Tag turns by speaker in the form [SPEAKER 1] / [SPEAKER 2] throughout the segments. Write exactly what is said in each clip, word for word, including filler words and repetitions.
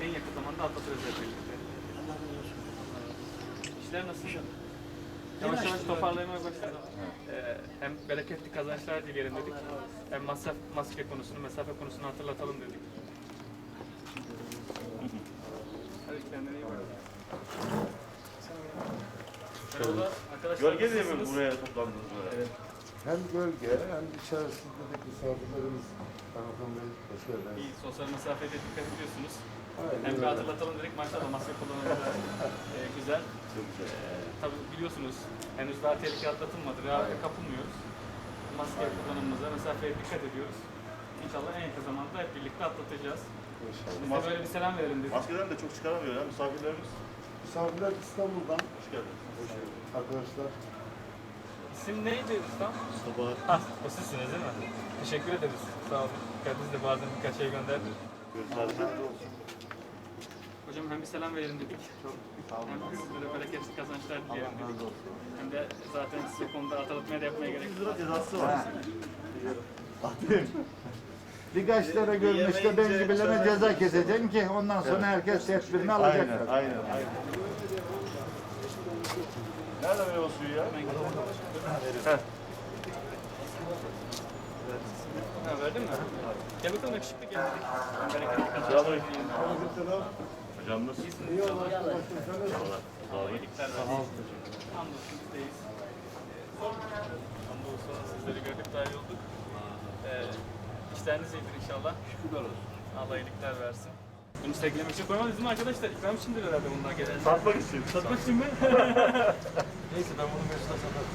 [SPEAKER 1] en yakın zamanda atlatırız hep birlikte. İşler nasıl? Yavaş yavaş toparlamaya başladı. Ee, hem bereketli kazançlar dileyelim dedik. Hem masraf, maske konusunu, mesafe konusunu hatırlatalım dedik. Hadi kendine iyi bak. Merhaba arkadaşlar.
[SPEAKER 2] Gölge diye mi buraya toplandınız böyle?
[SPEAKER 1] Evet.
[SPEAKER 3] Hem gölge hem içerisindeki misafirlerimiz Kaymakam Bey, hoş geldiniz.
[SPEAKER 1] İyi, sosyal mesafeye de dikkat ediyorsunuz.
[SPEAKER 3] Aynen
[SPEAKER 1] Hem bir
[SPEAKER 3] öyle.
[SPEAKER 1] hatırlatalım dedik, maşallah maske kullanımı e, güzel.
[SPEAKER 2] Çok güzel.
[SPEAKER 1] E, tabii biliyorsunuz, henüz daha tehlike atlatılmadı, rehavete kapılmıyoruz. Maske kullanımımıza, mesafeye dikkat ediyoruz. İnşallah en yakın zamanda hep birlikte atlatacağız.
[SPEAKER 3] İnşallah.
[SPEAKER 1] Biz de böyle bir selam verelim dedik.
[SPEAKER 2] Maskeden de çok çıkaramıyor ya misafirlerimiz.
[SPEAKER 3] Misafirler İstanbul'dan.
[SPEAKER 2] Hoş geldiniz.
[SPEAKER 3] Hoş geldiniz. Arkadaşlar.
[SPEAKER 1] İsim neydi ustam?
[SPEAKER 2] Sabah.
[SPEAKER 1] Ha, o sizsiniz değil mi? Teşekkür ederiz. Sağ olun. Kendiniz de bazen birkaç şey gönderdi.
[SPEAKER 2] Görüşürüz.
[SPEAKER 1] Hocam hem bir selam verelim dedik. Çok
[SPEAKER 3] Sağ olun.
[SPEAKER 1] hem sizlere bereketli kazançlar dileyelim
[SPEAKER 3] Allah razı
[SPEAKER 1] dedik.
[SPEAKER 3] olsun.
[SPEAKER 1] Hem de zaten size konuda hatırlatmaya da yapmaya gerek
[SPEAKER 2] yüz
[SPEAKER 1] yok.
[SPEAKER 2] lira cezası var.
[SPEAKER 4] Birkaç lira görünüşte ben gibilerine ceza keseceksin ki ondan sonra herkes tedbirini alacak.
[SPEAKER 2] Aynen, aynen, aynen. Nerede meyve suyu ya? Heh.
[SPEAKER 1] Ha, verdin mi? Gel bakalım yakışıklı gel dedik. Hem bereketli kazançlar
[SPEAKER 2] Selamünaleyküm.
[SPEAKER 1] dileyelim.
[SPEAKER 2] Hocam nasılsın?
[SPEAKER 3] İyi olun.
[SPEAKER 2] İnşallah. Sağ olun.
[SPEAKER 1] İyilikler versin. Hamdolsun bizdeyiz. Hamdolsun sizleri gördük daha iyi olduk. Ee, işleriniz iyidir inşallah. Şükürler olsun. Allah iyilikler versin. Bunu sergilemek için koymadınız değil mi arkadaşlar? İkram içindir herhalde bunlar genelde.
[SPEAKER 2] Satmak için.
[SPEAKER 1] Satmak için mi?
[SPEAKER 3] Neyse ben bunu Mesut'a satarım.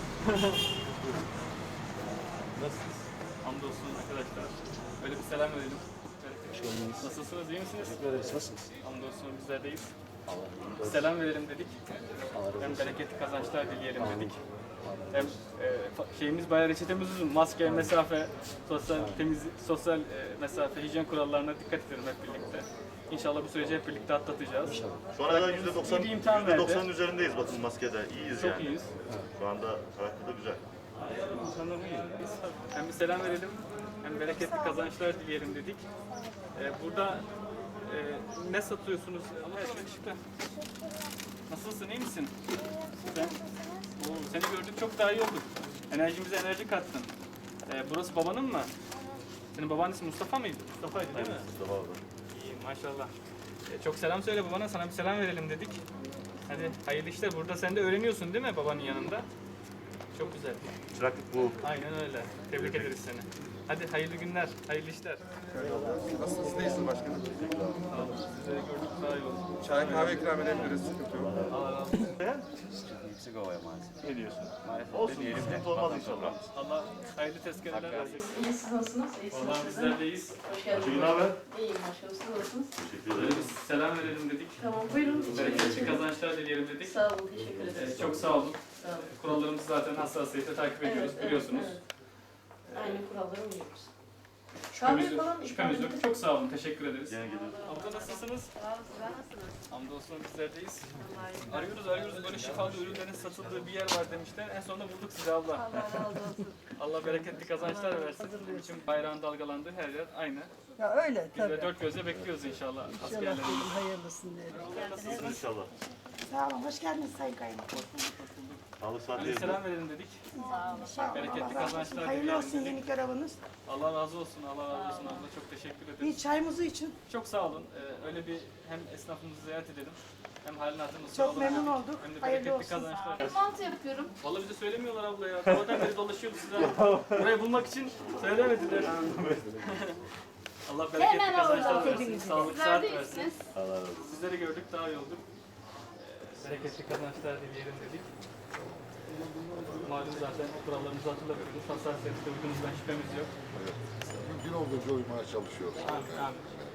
[SPEAKER 1] Nasılsınız? Hamdolsun arkadaşlar. Böyle bir selam verelim. Nasılsınız? İyi misiniz?
[SPEAKER 3] Teşekkür ederiz. Nasılsınız?
[SPEAKER 1] Hamdolsun bizler deyiz. Selam verelim dedik. Hem bereketli kazançlar dileyelim dedik. Hem e, fa- şeyimiz bayağı reçetemiz uzun. Maske, mesafe, sosyal temiz sosyal e, mesafe, hijyen kurallarına dikkat edelim hep birlikte. İnşallah bu süreci hep birlikte atlatacağız.
[SPEAKER 2] Şu ana kadar yüzde doksan,
[SPEAKER 1] İyi bir imtihan
[SPEAKER 2] yüzde
[SPEAKER 1] verdi.
[SPEAKER 2] doksanın üzerindeyiz bakın maskede. İyiyiz
[SPEAKER 1] Çok
[SPEAKER 2] yani.
[SPEAKER 1] iyiyiz.
[SPEAKER 2] Şu anda karakter de güzel.
[SPEAKER 1] Hem bir selam verelim, hem bereketli kazançlar dileyelim dedik. Ee, burada e, ne satıyorsunuz? Evet, yakışıklı. Nasılsın, iyi misin? Sen, Oo, seni gördük, çok daha iyi olduk. Enerjimize enerji kattın. Ee, burası babanın mı? Senin babanın ismi Mustafa mıydı? Mustafa'ydı değil mi?
[SPEAKER 2] Mustafa abi.
[SPEAKER 1] İyi, maşallah. Ee, çok selam söyle babana, sana bir selam verelim dedik. Hadi hayırlı işler. Burada sen de öğreniyorsun değil mi babanın yanında? Çok güzel.
[SPEAKER 2] Çıraklık bu.
[SPEAKER 1] Aynen öyle. Tebrik ederiz seni. Hadi hayırlı günler, hayırlı işler.
[SPEAKER 5] Nasılsınız, değilsiniz başkanım?
[SPEAKER 1] Sağ olun. Sizleri gördük daha iyi oldu.
[SPEAKER 5] Çay kahve ikram edebiliriz, sıkıntı yok.
[SPEAKER 1] Allah razı olsun.
[SPEAKER 6] Yüksek havaya maalesef.
[SPEAKER 2] Ne diyorsun?
[SPEAKER 6] Maalesef
[SPEAKER 2] Olsun,
[SPEAKER 6] deneyelim de.
[SPEAKER 2] sıkıntı olmaz inşallah.
[SPEAKER 1] Allah hayırlı tezkereler versin.
[SPEAKER 7] İyi, siz nasılsınız? İyisiniz
[SPEAKER 1] Vallahi
[SPEAKER 7] siz de.
[SPEAKER 1] bizler deyiz.
[SPEAKER 7] Hoş geldiniz.
[SPEAKER 2] Ayşegül haber?
[SPEAKER 7] İyiyim başkanım, siz nasılsınız?
[SPEAKER 2] Teşekkür
[SPEAKER 1] Böyle
[SPEAKER 2] ederim.
[SPEAKER 1] bir selam verelim dedik.
[SPEAKER 7] Tamam, buyurun.
[SPEAKER 1] Bereketli kazançlar dileyelim dedik.
[SPEAKER 7] Sağ olun, teşekkür ederiz.
[SPEAKER 1] Ee, çok sağ olun.
[SPEAKER 7] Sağ olun.
[SPEAKER 1] Kurallarımızı zaten hassasiyetle takip ediyoruz,
[SPEAKER 7] Evet,
[SPEAKER 1] biliyorsunuz.
[SPEAKER 7] evet, evet. Aynı kurallara uyuyoruz.
[SPEAKER 1] Şüphemiz
[SPEAKER 7] Kahve
[SPEAKER 1] yok.
[SPEAKER 7] falan
[SPEAKER 1] Şüphemiz
[SPEAKER 7] ikram
[SPEAKER 1] yok.
[SPEAKER 7] edin.
[SPEAKER 1] Çok sağ olun, teşekkür ederiz.
[SPEAKER 2] Gene geliyoruz.
[SPEAKER 1] Abla nasılsınız?
[SPEAKER 8] Sağ olun, sizler nasılsınız?
[SPEAKER 1] Hamdolsun bizlerdeyiz.
[SPEAKER 8] Allah'a emanet.
[SPEAKER 1] Arıyoruz arıyoruz böyle şifalı ürünlerin satıldığı bir yer var demişler. En sonunda bulduk sizi abla.
[SPEAKER 8] Allah razı olsun.
[SPEAKER 1] Allah bereketli kazançlar versin. Için bayrağın dalgalandığı her yer aynı.
[SPEAKER 8] Ya öyle
[SPEAKER 1] Biz de
[SPEAKER 8] tabii.
[SPEAKER 1] dört gözle bekliyoruz inşallah
[SPEAKER 8] İnşallah
[SPEAKER 1] askerlerimizi.
[SPEAKER 8] dedim hayırlısını diyelim.
[SPEAKER 2] Nasılsın inşallah?
[SPEAKER 9] Sağ olun, hoş geldiniz Sayın Kaymakam.
[SPEAKER 2] Sağlık saat
[SPEAKER 1] Hadi
[SPEAKER 2] yerinde.
[SPEAKER 1] selam verelim dedik.
[SPEAKER 9] Sağ olun,
[SPEAKER 1] Bereketli
[SPEAKER 9] Allah razı olsun.
[SPEAKER 1] kazançlar
[SPEAKER 9] Hayırlı
[SPEAKER 1] dileyelim
[SPEAKER 9] olsun
[SPEAKER 1] dedik.
[SPEAKER 9] yeni göreviniz.
[SPEAKER 1] Allah razı olsun, Allah razı olsun abla. Çok teşekkür
[SPEAKER 9] Bir
[SPEAKER 1] ederiz.
[SPEAKER 9] çayımızı için
[SPEAKER 1] Çok sağ olun. Ee, öyle bir hem esnafımızı ziyaret edelim. Hem halini hatırımızı
[SPEAKER 9] çok
[SPEAKER 1] soralım.
[SPEAKER 9] memnun olduk.
[SPEAKER 1] Hem de
[SPEAKER 9] Hayırlı
[SPEAKER 1] bereketli
[SPEAKER 9] olsun.
[SPEAKER 1] kazançlar.
[SPEAKER 8] Mantı yapıyorum.
[SPEAKER 1] Vallahi bize söylemiyorlar abla ya. Sabahtan beri dolaşıyoruz size. Burayı bulmak için söylemediler. Allah bereketli
[SPEAKER 8] Hemen
[SPEAKER 1] kazançlar
[SPEAKER 8] orada.
[SPEAKER 1] versin. Sağlık
[SPEAKER 8] Sizler
[SPEAKER 1] saat
[SPEAKER 8] de
[SPEAKER 1] versin.
[SPEAKER 8] iyisiniz.
[SPEAKER 2] Allah razı olsun.
[SPEAKER 1] Sizleri gördük daha iyi olduk. Ee, bereketli kazançlar dileyelim dedik. Malum zaten kurallarımızı hatırlatıyoruz. Hassasiyetle uyduğunuzdan şüphemiz yok.
[SPEAKER 3] Mümkün olduğunca uymaya çalışıyoruz.
[SPEAKER 1] Amin, amin.